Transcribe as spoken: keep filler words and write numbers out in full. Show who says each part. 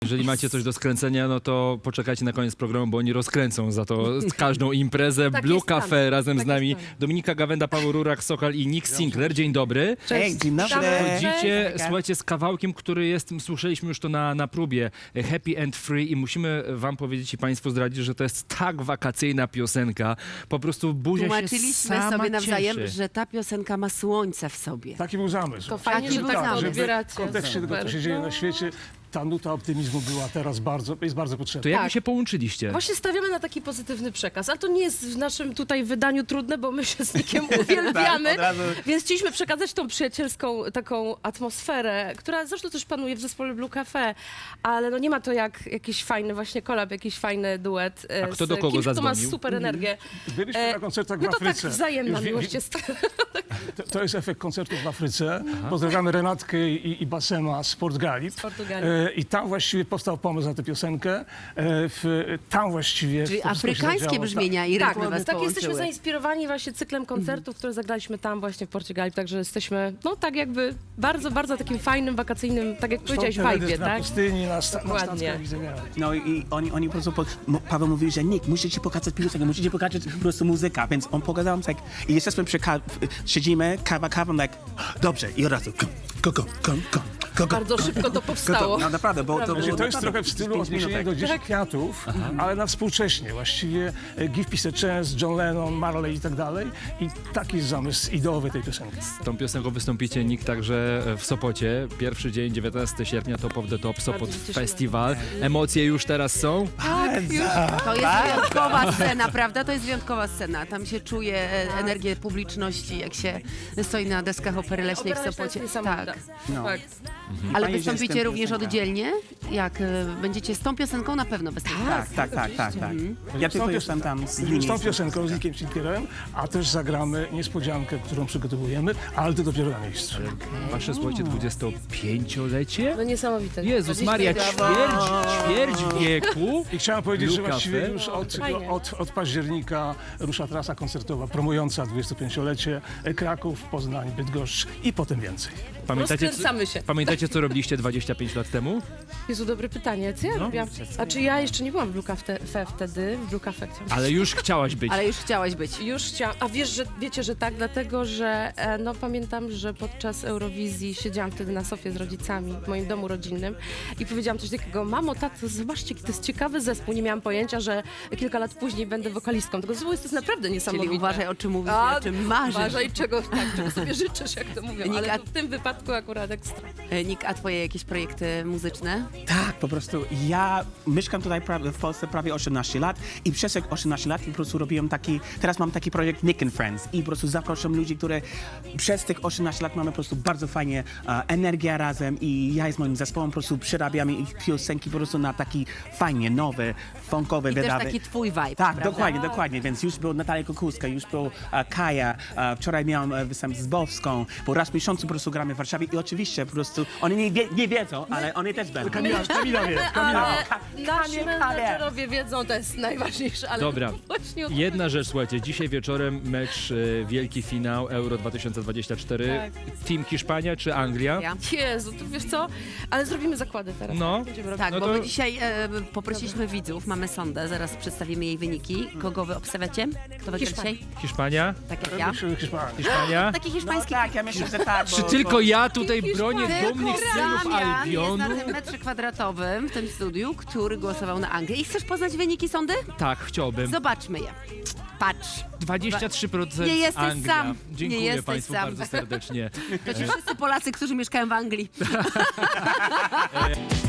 Speaker 1: Jeżeli macie coś do skręcenia, no to poczekajcie na koniec programu, bo oni rozkręcą za to każdą imprezę.
Speaker 2: Tak
Speaker 1: Blue
Speaker 2: jest
Speaker 1: Cafe
Speaker 2: plan.
Speaker 1: razem
Speaker 2: Tak
Speaker 1: z nami.
Speaker 2: jest plan.
Speaker 1: Dominika Gawenda, Paweł Rurak, Sokal i Nick Sinclair. Dzień dobry.
Speaker 3: Hej, dzień dobry.
Speaker 1: Chodzicie,
Speaker 3: Cześć.
Speaker 1: słuchajcie, z kawałkiem, który jest, słyszeliśmy już to na, na próbie, Happy and Free i musimy wam powiedzieć i państwu zdradzić, że to jest tak wakacyjna piosenka. Po prostu buzia się
Speaker 4: Tłumaczyliśmy
Speaker 1: sama
Speaker 4: sobie nawzajem,
Speaker 1: cieszy.
Speaker 4: że ta piosenka ma słońce w sobie.
Speaker 5: Taki był zamysł.
Speaker 2: To fajnie,
Speaker 4: Taki
Speaker 2: że
Speaker 4: był
Speaker 2: tak to
Speaker 4: zamysł.
Speaker 2: odbieracie.
Speaker 5: W kontekście tego, co się dzieje na świecie, ta nuta optymizmu była teraz bardzo, jest bardzo
Speaker 1: To
Speaker 5: potrzebna.
Speaker 1: jak wy
Speaker 2: Tak.
Speaker 1: się połączyliście?
Speaker 2: Właśnie stawiamy na taki pozytywny przekaz, ale to nie jest w naszym tutaj wydaniu trudne, bo my się z Nickiem uwielbiamy,
Speaker 3: Tak, od razu.
Speaker 2: więc chcieliśmy przekazać tą przyjacielską taką atmosferę, która zresztą też panuje w zespole Blue Cafe, ale no nie ma to jak jakiś fajny właśnie kolab, jakiś fajny duet e,
Speaker 1: A kto
Speaker 2: z
Speaker 1: do kogo
Speaker 2: kimś, kto ma
Speaker 1: zadzwonił?
Speaker 2: super energię.
Speaker 5: Byliśmy
Speaker 2: E,
Speaker 5: na koncertach w
Speaker 2: No to tak
Speaker 5: Afryce.
Speaker 2: wzajemna
Speaker 5: Już wie-
Speaker 2: miłość jest.
Speaker 5: To, to jest efekt koncertów w Afryce. Pozdrawiamy Renatkę i, i Basema z Portugalii.
Speaker 2: Portugalii.
Speaker 5: E, I tam właściwie powstał pomysł na tę piosenkę. E, w, tam właściwie...
Speaker 4: Czyli
Speaker 5: to wszystko się
Speaker 4: afrykańskie
Speaker 5: zadziało.
Speaker 4: brzmienia i
Speaker 2: Tak,
Speaker 4: rytmy was
Speaker 2: tak jesteśmy
Speaker 4: połączyły.
Speaker 2: zainspirowani właśnie cyklem koncertów, które zagraliśmy tam właśnie w Portugalii, także jesteśmy, no tak jakby bardzo, bardzo takim fajnym, wakacyjnym, tak jak powiedziałeś,
Speaker 5: Stąd teledysk
Speaker 2: vibe,
Speaker 5: na
Speaker 2: tak?
Speaker 5: pustyni, na, sta, na
Speaker 2: Dokładnie.
Speaker 5: statkach widzenia.
Speaker 3: No i oni, oni po prostu, po, mo- Paweł mówił, że Nick, muszę ci pokazać piosenkę, muszę ci pokazać po prostu muzykę, więc on pokazał nam tak, i jesteśmy przy ka- siedzimy, kawa, kawa, tak, dobrze, i od razu, go, go, go, go, go, go, go.
Speaker 2: Bardzo szybko to
Speaker 3: Go,
Speaker 2: powstało.
Speaker 3: No naprawdę, bo to
Speaker 2: Prawda.
Speaker 3: było
Speaker 5: Znaczy, to jest
Speaker 3: naprawdę
Speaker 5: trochę w stylu
Speaker 3: pięć
Speaker 5: odniesienia
Speaker 3: minutek.
Speaker 5: do Dziesięć Kwiatów, ale na współcześnie. Właściwie e, Give Peace a Chance, John Lennon, Marley i tak dalej. I taki jest zamysł ideowy tej piosenki.
Speaker 1: Z tą piosenką wystąpicie, Nick, także w Sopocie. Pierwszy dzień, dziewiętnastego sierpnia, Top of the Top, Sopot
Speaker 2: się cieszymy.
Speaker 1: Festiwal. Emocje już teraz są?
Speaker 4: To jest wyjątkowa scena, prawda? To jest wyjątkowa scena. Tam się czuje e, energię publiczności, jak się stoi na deskach Opery Leśnej w
Speaker 2: Opera Leśna jest
Speaker 4: Sopocie.
Speaker 2: niesamowita.
Speaker 4: Tak.
Speaker 3: No.
Speaker 2: Tak.
Speaker 4: Ale
Speaker 3: Fajnie, że
Speaker 4: wystąpicie
Speaker 3: jest
Speaker 4: również
Speaker 3: piosenka.
Speaker 4: oddzielnie? Jak e, będziecie z tą piosenką na pewno wystąpić.
Speaker 3: Tak, tak, tak, tak, tak. Ja tylko jestem tam z
Speaker 5: Z
Speaker 3: linii.
Speaker 5: tą piosenką, z Nickiem Sinclairem, a też zagramy niespodziankę, którą przygotowujemy, ale to dopiero na miejscu.
Speaker 1: Wasze, słuchajcie, dwudziestopięciolecie?
Speaker 2: No niesamowite.
Speaker 1: Jezus Maria, ćwierć, ćwierć wieku.
Speaker 5: I chciałem powiedzieć,
Speaker 1: Blue
Speaker 5: że właściwie
Speaker 1: Cafe?
Speaker 5: już od,
Speaker 2: Fajnie.
Speaker 5: od, od października rusza trasa koncertowa promująca dwudziestopięciolecie Kraków, Poznań, Bydgoszcz i potem więcej.
Speaker 1: Pamiętacie, co,
Speaker 2: Rozkręcamy się.
Speaker 1: pamiętacie, co robiliście dwadzieścia pięć lat temu?
Speaker 2: Jezu, dobre pytanie. Co ja
Speaker 1: No.
Speaker 2: robiłam? A czy ja jeszcze nie byłam w Blue Cafe wtedy? W Blue Cafe chciałam.
Speaker 1: Ale już chciałaś być.
Speaker 4: Ale już chciałaś być.
Speaker 2: Już chciałam. A wiesz, że wiecie, że tak, dlatego że e, no pamiętam, że podczas Eurowizji siedziałam wtedy na sofie z rodzicami w moim domu rodzinnym i powiedziałam coś takiego: mamo, tato, zobaczcie, to jest ciekawy zespół. Nie miałam pojęcia, że kilka lat później będę wokalistką. Tego zespołu jest to jest naprawdę niesamowite.
Speaker 4: Czyli uważaj, o czym mówisz,
Speaker 2: A,
Speaker 4: o czym marzysz.
Speaker 2: Uważaj, czego, tak, czego sobie życzysz, jak to mówią.
Speaker 4: Nika-
Speaker 2: Ale to w tym wypadku akurat ekstra.
Speaker 4: E, Nick, a twoje jakieś projekty muzyczne?
Speaker 3: Tak, po prostu ja mieszkam tutaj pra- w Polsce prawie osiemnaście lat i przez te osiemnaście lat po prostu robiłem taki, teraz mam taki projekt Nick and Friends i po prostu zapraszam ludzi, które przez tych osiemnaście lat mamy po prostu bardzo fajnie e, energię razem i ja z moim zespołem po prostu przerabiamy ich piosenki po prostu na taki fajnie, nowy, funkowy,
Speaker 4: I też
Speaker 3: wydawy.
Speaker 4: taki twój vibe,
Speaker 3: Tak,
Speaker 4: prawda?
Speaker 3: dokładnie, dokładnie, więc już był Natalia Kukulska, już był e, Kaja, e, wczoraj miałam e, występ z Bowską, bo raz w miesiącu po prostu gramy w Warszawie i oczywiście po prostu, oni nie, wie, nie wiedzą, ale oni też będą.
Speaker 5: Kamila, Kamila wie, Kamila wie.
Speaker 2: Ale nasi
Speaker 3: Kanie,
Speaker 2: menedżerowie wiedzą, to jest najważniejsze. Ale
Speaker 1: Dobra.
Speaker 2: właśnie o to
Speaker 1: Jedna rzecz, słuchajcie, dzisiaj wieczorem mecz, e, wielki finał Euro dwa tysiące dwadzieścia cztery.
Speaker 2: Tak.
Speaker 1: Team Hiszpania czy Anglia?
Speaker 4: Ja.
Speaker 2: Jezu, to wiesz co? Ale zrobimy zakłady teraz.
Speaker 1: No.
Speaker 2: Będziemy robić.
Speaker 4: Tak,
Speaker 1: No
Speaker 4: bo
Speaker 1: to-
Speaker 4: my dzisiaj e, poprosiliśmy widzów, mamy sondę, zaraz przedstawimy jej wyniki. Kogo wy obstawiacie? Kto wygra
Speaker 2: Hiszpania.
Speaker 4: dzisiaj?
Speaker 1: Hiszpania?
Speaker 4: Tak jak ja.
Speaker 5: Hiszpanii.
Speaker 1: Hiszpania?
Speaker 4: Taki
Speaker 3: No
Speaker 4: hiszpański
Speaker 3: tak, ja myślę, że tak.
Speaker 1: Czy
Speaker 3: bo-
Speaker 1: tylko ja tutaj bronię
Speaker 4: Tylko
Speaker 1: dumnych synów
Speaker 4: Damian jest
Speaker 1: Albionu?
Speaker 4: na tym metrze kwadratowym w tym studiu, który głosował na Anglię. I chcesz poznać wyniki sądy?
Speaker 1: Tak, chciałbym.
Speaker 4: Zobaczmy je. Patrz.
Speaker 1: dwadzieścia trzy procent
Speaker 4: Nie jesteś
Speaker 1: Anglia.
Speaker 4: sam.
Speaker 1: Dziękuję
Speaker 4: Nie jesteś
Speaker 1: Państwu
Speaker 4: sam.
Speaker 1: bardzo serdecznie.
Speaker 4: To ci wszyscy Polacy, którzy mieszkają w Anglii.